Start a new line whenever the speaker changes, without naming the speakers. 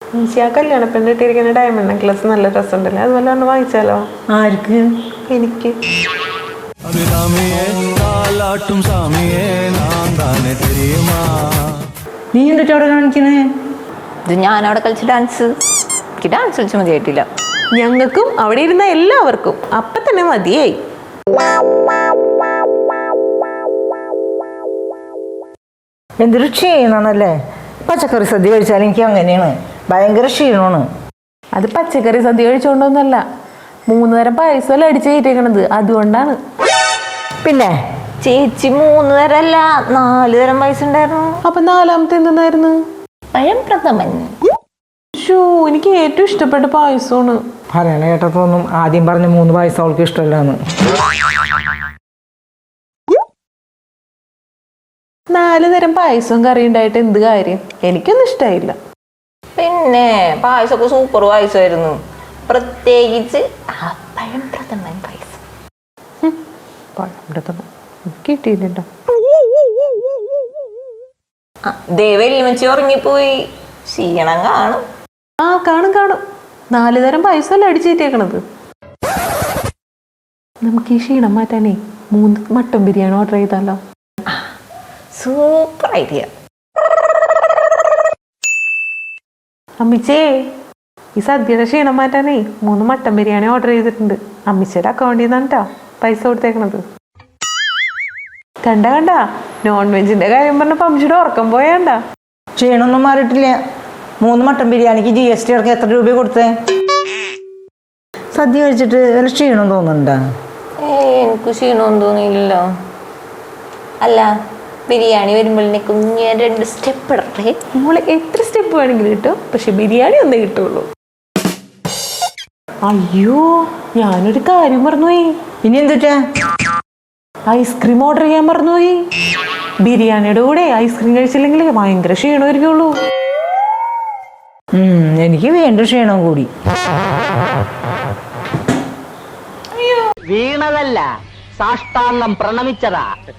ഈശി ആ കല്യാണ പെണ്ണിട്ടിരിക്കുന്ന diamond necklace നല്ല രസമുണ്ടല്ലേ, അതുപോലെ ഒന്ന് വാങ്ങിച്ചാലോ?
ആർക്ക്?
എനിക്ക്.
നീ എന്നിട്ട് അവിടെ കാണിക്കണേ?
ഇത് ഞാനവിടെ കളിച്ച ഡാൻസ്, എനിക്ക് ഡാൻസ് കളിച്ച മതിയായിട്ടില്ല.
ഞങ്ങൾക്കും അവിടെ ഇരുന്ന എല്ലാവർക്കും അപ്പൊ തന്നെ മതിയായി.
എന്തൊരു ക്ഷീണാണല്ലേ. പച്ചക്കറി സദ്യ കഴിച്ചാൽ എനിക്ക് അങ്ങനെയാണ്, ഭയങ്കര ക്ഷീണമാണ്.
അത് പച്ചക്കറി സദ്യ കഴിച്ചോണ്ടൊന്നല്ല, 3 തരം പായസം അടിച്ചു കയറ്റേക്കണത്, അതുകൊണ്ടാണ്.
പിന്നെ
ചേച്ചി 3 തരം അല്ല 4 തരം പായസം ഉണ്ടായിരുന്നു.
അപ്പൊ 4ാമത്തെ എന്തെന്നായിരുന്നു?
പഴം പ്രഥമൻ.
എനിക്ക് ഏറ്റവും ഇഷ്ടപ്പെട്ട പായസമാണ്.
പറയണ കേട്ടാ തോന്നും ആദ്യം പറഞ്ഞ 3 പായസം അവൾക്ക് ഇഷ്ടമല്ലാന്ന്.
4 തരം പായസവും കറി ഉണ്ടായിട്ട് എന്ത് കാര്യം? എനിക്കൊന്നും ഇഷ്ടമായില്ല.
പിന്നെ പായസമൊക്കെ സൂപ്പർ പായസമായിരുന്നു, പ്രത്യേകിച്ച് ആ പഴം പ്രഥമൻ പായസം.
കിട്ടിയില്ലട്ടോ.
വെല്ലുമച്ചി ഉറങ്ങിപ്പോയി, ക്ഷീണം കാണും.
കാണും. 4 തരം പായസം അടിച്ചേറ്റേക്കണത്. നമുക്ക് ഈ ക്ഷീണം മാറ്റാനേ 3 മട്ടൻ ബിരിയാണി ഓർഡർ ചെയ്താലോ?
Super idea.
അമ്മിച്ചേ, ഈ സദ്യയുടെ ക്ഷീണം മാറ്റാനേ 3 മട്ടൻ ബിരിയാണി ഓർഡർ ചെയ്തിട്ടുണ്ട്. അമ്മിച്ചയുടെ അക്കൗണ്ടിൽ നിന്നാണ് കേട്ടോ പൈസ കൊടുത്തേക്കണത്. കണ്ട നോൺ വെജിന്റെ കാര്യം പറഞ്ഞപ്പോ അമ്മിച്ചിയുടെ ഉറക്കം പോയാണ്ട.
ക്ഷീണമൊന്നും മാറിയിട്ടില്ല. 3 മട്ടൻ ബിരിയാണിക്ക് GST ഇറക്കി എത്ര രൂപ കൊടുത്തേ? സദ്യ കഴിച്ചിട്ട് വല്ല ക്ഷീണം തോന്നുന്നുണ്ടാ?
എനിക്ക് ക്ഷീണമൊന്നും തോന്നിയില്ലല്ലോ. അല്ല, ബിരിയാണി വരുമ്പോഴേ കുഞ്ഞ് 2 സ്റ്റെപ്പ് ഇടട്ടെ.
നമ്മള് എത്ര സ്റ്റെപ്പ് വേണമെങ്കിലും കിട്ടും, പക്ഷെ ബിരിയാണി ഒന്നേ കിട്ടുള്ളൂ. അയ്യോ, ഞാനൊരു കാര്യം മറന്നുപോയി.
ഇനി എന്തുട്ടാ?
ഐസ്ക്രീം ഓർഡർ ചെയ്യാൻ മറന്നുപോയി. ബിരിയാണിയുടെ കൂടെ ഐസ്ക്രീം കഴിച്ചില്ലെങ്കിൽ ഭയങ്കര ക്ഷീണമായിരിക്കുള്ളൂ.
എനിക്ക് വേണ്ട ക്ഷീണം കൂടി.
വീണതല്ല, സാഷ്ടാംഗം പ്രണമിച്ചതാ.